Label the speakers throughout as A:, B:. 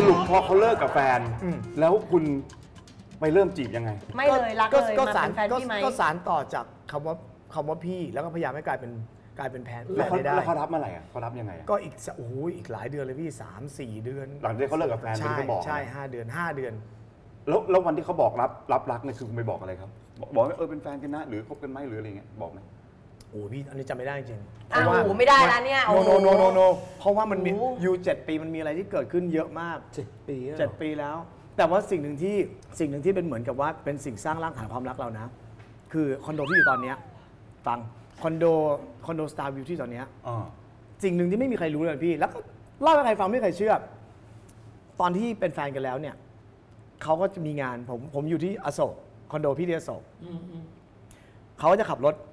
A: รุปพอเขาเลิกกับแฟนแล้วคุณไปเริ่มจีบยังไง
B: ไม่เลยรักเลยมาเป็นแฟนพี่ไหม
C: ก็สารต่อจากคำว่าพี่แล้วก็พยายามให้กลายเป็นแฟนได้
A: แล้วเขารับเมื่อไหร่เขารับยังไง
C: ก็อีกหลายเดือนเลยพี่3-4 เดือน
A: หลังจากเขาเลิกกับแฟนเขาบอก
C: ใช่5 เดือน
A: แล้ววันที่เขาบอกรับรักเนี่ยคือคุณไปบอกอะไรครับบอกว่าเป็นแฟนกันนะหรือคบกันไหมหรืออะไรเงี้ยบอกไหม
C: โอ้พี่อันนี้จำไม่ได้จริง
B: โอ้โหไม่ได้แล้วเนี่ย
C: โนเพราะว่ามันมีอยู่7 ปีมันมีอะไรที่เกิดขึ้นเยอะมาก7 ปีแล้วแต่ว่าสิ่งหนึ่งที่เป็นเหมือนกับว่าเป็นสิ่งสร้างรากฐานความรักเรานะคือคอนโดที่อยู่ตอนนี้ฟังคอนโดสตาร์วิวที่ตอนนี้สิ่งหนึ่งที่ไม่มีใครรู้เลยพี่แล้วก็เล่าให้ใครฟังไม่มีใครเชื่อตอนที่เป็นแฟนกันแล้วเนี่ยเขาก็จะมีงานผมอยู่ที่อโศกคอนโดพี่ที่อโศกเขาก็จะขับรถ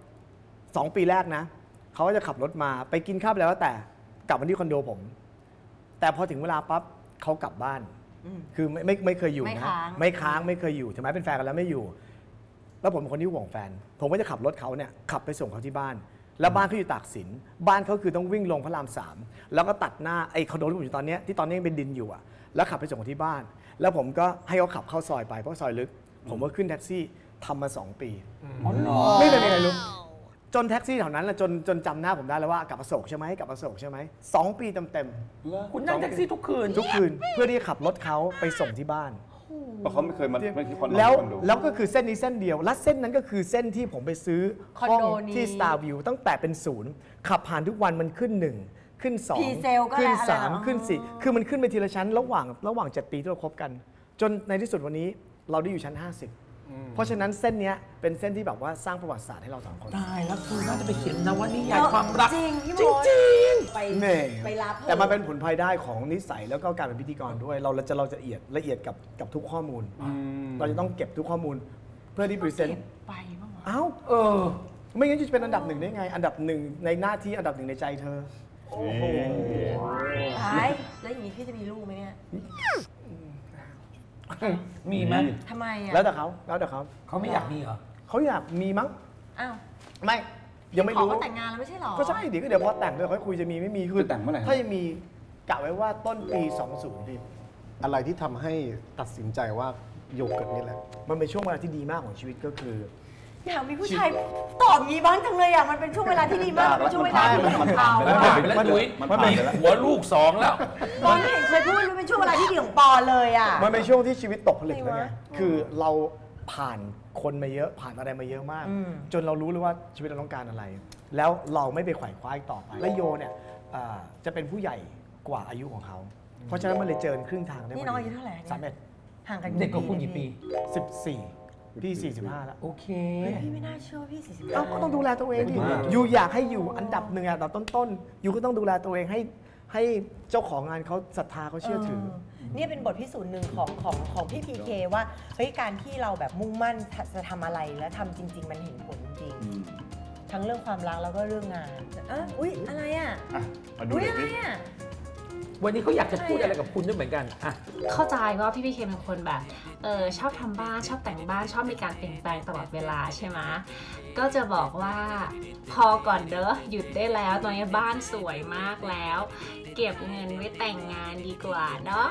C: 2 ปีแรกนะเขาก็จะขับรถมาไปกินข้าวแล้วแต่กลับมาที่คอนโดผมแต่พอถึงเวลาปั๊บเขากลับบ้านคือไม่เคยอยู่นะไม่ค้างไม่เคยอยู่ถึงแม้เป็นแฟนกันแล้วไม่อยู่แล้วผมเป็นคนที่ห่วงแฟนผมก็จะขับรถเขาเนี่ยขับไปส่งเขาที่บ้านแล้วบ้านเขาอยู่ตากสินบ้านเขาคือต้องวิ่งลงพระราม3แล้วก็ตัดหน้าไอ้คอนโดที่ผมอยู่ตอนนี้ที่ตอนนี้ยังเป็นดินอยู่อ่ะแล้วขับไปส่งเขาที่บ้านแล้วผมก็ให้เขาขับเข้าซอยไปเพราะซอยลึกผมก็ขึ้นแท็กซี่ทำมา2 ปีไม่เป็นไรรู้จนแท็กซี่แถวนั้นแหละจนจำหน้าผมได้แล้วว่ากลับอโศกใช่ไหมกลับอโศกใช่ไหม2 ปีเต็ม
D: คุณนั่งแท็กซี่ทุกคืน
C: เพื่อที่จะขับรถเขาไปส่งที่บ้าน
A: เพราะเขาไม่เคยมาที่คอนโด
C: แล้วก็คือเส้นนี้เส้นเดียวและเส้นนั้นก็คือเส้นที่ผมไปซื้อห้องที่ Star View ตั้งแต่เป็น0ขับผ่านทุกวันมันขึ้น1ขึ้น2ขึ้น3ขึ้น4คือมันขึ้นไปทีละชั้นระหว่าง7 ปีที่เราคบกันจนในที่สุดวันนี้เราได้อยู่ชั้น50เพราะฉะนั้นเส้นนี้เป็นเส้นที่แบบว่าสร้างประวัติศาสตร์ให้เรา2 คน
D: ตายแล้วคุณน่าจะไปเขียนนวนิยายความรัก
B: จริงพี่มดไปรับ
C: แต่มันเป็นผลพลอยได้ของนิสัยแล้วก็การเป็นพิธีกรด้วยเราจะละเอียดกับทุกข้อมูลเราจะต้องเก็บทุกข้อมูลเพื่อที่พรีเซนต์
D: ไปบ้าง
C: เอ้าไม่งั้นจะเป็นอันดับ1ได้ไงอันดับ1ในหน้าที่อันดับ1ในใจเธอ
B: โอ้โหตายแล้วอย่างนี้พี่จะมีลูกไหมเนี่ย
D: มีไหม
B: ทำไมอ่ะ
C: แล้วแต่เขา
D: เขาไม่อยากมีเหรอ
C: เขาอยากมีมั้ง
B: อ้าว
C: ไม่ยังไม่รู้
B: เขาแต่งงานแล้วไม่ใช่หรอ
C: ก็ใช่ดิก็เดี๋ยวพอแต่งด้วยค่อยคุยจะมีไม่มีคือ
A: แต่งเมื่อไหร่
C: ถ้ายังมีกะไว้ว่าต้นปี20ดิ
E: อะไรที่ทำให้ตัดสินใจว่าโยเกิร์ตนี่แหละ
C: มันเป็นช่วงเวลาที่ดีมากของชีวิตก็คือ
B: อยากมีผู้ชายตอบงี้บ้างจังเลยอ่ะมันเป็นช่วงเวลาที่ดีมากเป็นช่วงเวลาที่ดีของเขา
D: แล้วดุยมันมีหัวลูก2แล้ว
B: ปอนไม่เห็นเคยพูดมันเป็นช่วงเวลาที่ดีของปอนเลยอ่ะ
C: มันเป็นช่วงที่ชีวิตตกผลึกแล้วไงคือเราผ่านคนมาเยอะผ่านอะไรมาเยอะมากจนเรารู้เลยว่าชีวิตเราต้องการอะไรแล้วเราไม่ไปไขว่คว้าต่อไปและโยเนี่ยจะเป็นผู้ใหญ่กว่าอายุของเขาเพราะฉะนั้นมันเลยเจอครึ่งทางได้
B: นี่น้องอายุเท่าไหร่
C: 31
B: ห่างกัน
D: เด็กกว่าคุณกี่ปี
C: 14พี่45แล้ว
D: โอเค
B: พี่ไม่น่าเชื่อพี่45
C: ก็ต้องดูแลตัวเองดิอยู่อยากให้อยู่อันดับ1อันดับต้นๆอยู่ก็ต้องดูแลตัวเองให้เจ้าของงานเขาศรัทธาเขาเชื่อถือ
B: นี่เป็นบทพิสูจน์หนึ่งของพี่พีเคว่าเฮ้ยการที่เราแบบมุ่งมั่นจะทำอะไรแล้วทำจริงๆมันเห็นผลจริงทั้งเรื่องความรักแล้วก็เรื่องงานอุ๊ยอะไรอ่ะอุ๊ยอะไรอ่ะ
D: วันนี้เขาอยากจะพูดอะไรกับคุณด้วยเหมือนกัน
F: เข้าใจว่าพี่เคเป็นคนแบบชอบทำบ้านชอบแต่งบ้านชอบมีการเปลี่ยนแปลงตลอดเวลาใช่ไหมก็จะบอกว่าพอก่อนเด้อหยุดได้แล้วตอนนี้บ้านสวยมากแล้วเก็บเงินไว้แต่งงานดีกว่าเนาะ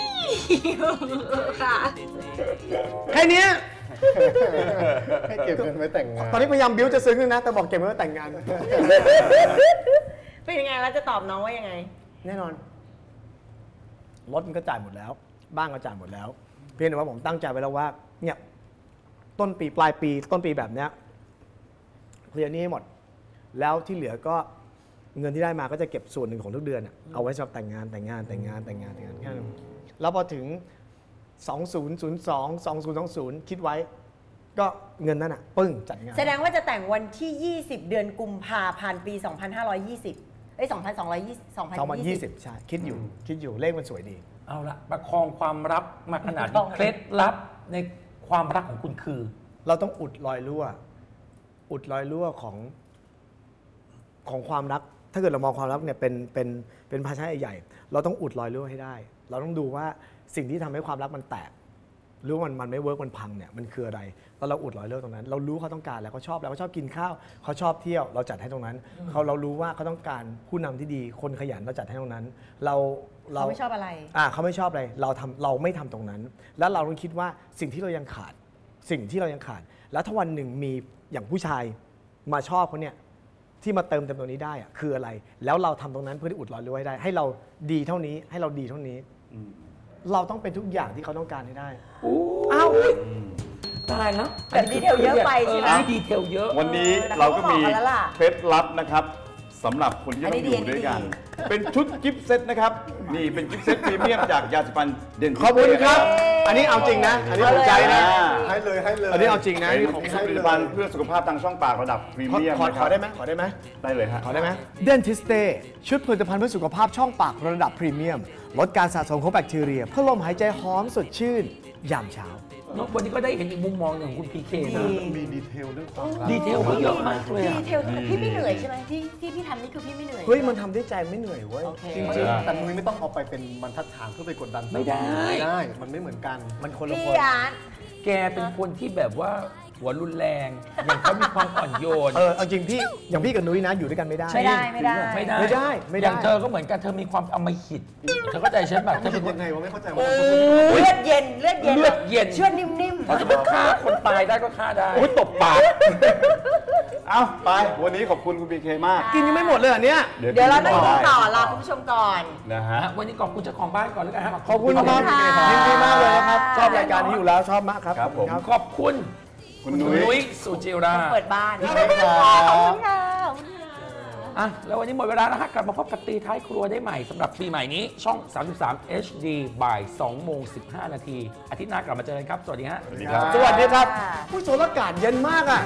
F: ค่ะ
C: แค่นี้
E: ให้เก็บเงินไว้แต่งงาน
C: ตอนนี้พยายามบิ้วจะซึ้งนะแต่บอกเก็บไว้แต่งงาน
B: เป็นยังไงแล้วจะตอบน้องว่ายังไง
C: แน่นอนรถมันก็จ่ายหมดแล้วบ้านก็จ่ายหมดแล้วเพียงแต่ว่าผมตั้งใจไว้แล้วว่าเนี่ยต้นปีปลายปีต้นปีแบบเนี้ยเคลียร์นี้ให้หมดแล้วที่เหลือก็เงินที่ได้มาก็จะเก็บส่วนหนึ่งของทุกเดือนเอาไว้สำหรับแต่งงานแค่นั้นแล้วพอถึง2002 2020คิดไว้ก็เงินนั้นปึ้งจัดงาน
B: แสดงว่าจะแต่งวันที่20เดือนกุมภาพันธ์ปี25202020
C: ใช่คิดอยู่เลขมันสวยดี
D: เอาละประคองความลับมาขนาดนี้เคล็ดลับในความรักของคุณคือ
C: เราต้องอุดรอยรั่วของความรักถ้าเกิดเรามองความรักเนี่ยเป็นภาชนะใหญ่เราต้องอุดรอยรั่วให้ได้เราต้องดูว่าสิ่งที่ทำให้ความรักมันแตกหรือมันไม่เวิร์กมันพังเนี่ยมันคืออะไรแล้วเราอุดรอยเลิกตรงนั้นเรารู้เขาต้องการแล้วเขาชอบแล้วเขาชอบกินข้าวเขาชอบเที่ยวเราจัดให้ตรงนั้นเรารู้ว่าเขาต้องการผู้นำที่ดีคนขยันเราจัดให้ตรงนั้น
B: เขาไม่ชอบอะไร
C: เขาไม่ชอบอะไรเราไม่ทำตรงนั้น แล้วเราต้องคิดว่าสิ่งที่เรายังขาดแล้วถ้าวันหนึ่งมีอย่างผู้ชายมาชอบเขาเนี่ยที่มาเติมเต็มตรงนี้ได้อะคืออะไรแล้วเราทำตรงนั้นเพื่อที่อุดรอยเลิกไว้ได้ให้เราดีเท่านี้ให้เราดีเท่านี้เราต้องเป็นทุกอย่างที่เขาต้องการให้ได้
D: อ้าวตายแล้ว
B: แต่ดีเทลเยอะไปใช่ไหม
D: ดีเทลเยอะ
A: วันนี้เราก็มีเคล็ดลับนะครับสำหรับคนที่ต้องอยู่ด้วยกัน เป็นชุดกิฟต์เซตนะครับนี่เป็นกิฟต์เซตพรีเมียมจากยาสีฟันเดนทิส
C: ขอบคุณครับอันนี้เอาจริงนะอันนี้ผมใจนะ
E: ให้เลย
C: อันนี้เอาจริงนะ
A: เป็นของผลิตภัณฑ์เพื่อสุขภาพทางช่องปากระดับพรีเมียม
C: ขอได้ไหม
A: ได้เลยฮะ
C: ขอได้ไหมเดนทิสเต้ชุดผลิตภัณฑ์เพื่อสุขภาพช่องปากระดับพรีเมียมลดการสะสมของแบคทีเรียเพื่อลมหายใจหอมสดชื่นยามเช้า
D: วันนี้ก็ได้เห็นอีกมุมมองหนึ่งของคุณพีเคนะ
E: มีดีเทลเรื่องความรัก
D: ดีเทลเขาเยอะมากเลย
B: ดีเทลพี่ไม่เหนื่อยใช่ไหมที่พี่ทำนี่คือพี่ไม่เหนื่อย
C: เฮ้ยมันทำด้วยใจไม่เหนื่อยเว้ย
B: โอเค
C: จริง
E: แต่นุ้ยไม่ต้องเอาไปเป็นบรรทัดฐานเพื่อไปกดดัน
D: ไม่ได้
E: มันไม่เหมือนกัน
C: ๆมันคนละ
B: พี่
C: คน
B: ยาน
D: แกเป็นคนที่แบบว่าหัวรุนแรง อย่างเขามีความอ่อนโยน
C: เอาจริงพี่อย่างพี่กับนุ้ยนะอยู่ด้วยกันไม่ได้
B: ไม่ได้
D: อย่างเธอก็เหมือนกันเธอมีความอำมหิตเธอเข้าใจฉันแบบเธอเป็นคน
E: ยังไงวะไม่เข้าใจ
D: โอ้
E: ว่า
D: ย
B: เลือดเย็น
D: เลือดเย็น
B: เชื่อดนิ่ม
D: ถ้าสมมติฆ่าคนตายได้ก็ฆ่าได้
A: โอ้ยตบปาก เอาไปวันนี้ขอบคุณคุณพีเคมาก
C: กินยังไม่หมดเลยอันเนี้ย
B: ๆ เดี๋ยวเราต้องกินต่อรอคุณผู้ชมก่อน
A: นะฮะ
D: วันนี้ขอบคุณเจ้าของบ้านก่อนแล้วกันครับ
C: ขอบคุณครับ
B: ค่ะ
C: ยินดีมากเลยนะครับ ชอบรายการนี้อยู่แล้วชอบมากครับ
A: ครับผม
D: ขอบคุณ
A: คุณ
D: คุณ
A: นุ้
D: นุ้
A: ย
D: ยสุจิรา
B: เปิดบ้าน
C: ขอบคุณครับ
B: ขอบคุณค่ะ
D: อ่ะแล้ววันนี้หมดเวลาแล้วฮะกลับมาพบกับตีท้ายครัวได้ใหม่สำหรับปีใหม่นี้ช่อง 33 HD บ่าย2โมง15 นาทีอาทิตย์หน้ากลับมาเจอกันครับ สวัสดีฮะ
A: สวัสดีครับ
C: สวัสดีครับผู้โสดอากาศเย็นมากอ่ะ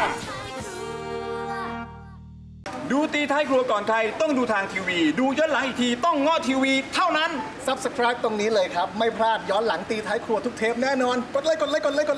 A: ดูตีท้ายครัวก่อนใครต้องดูทางทีวี ดูย้อนหลังอีกทีต้องง้อทีวีเท่านั้น
E: Subscribe ตรงนี้เลยครับ ไม่พลาดย้อนหลังตีท้ายครัวทุกเทปแน่นอน กดไลค์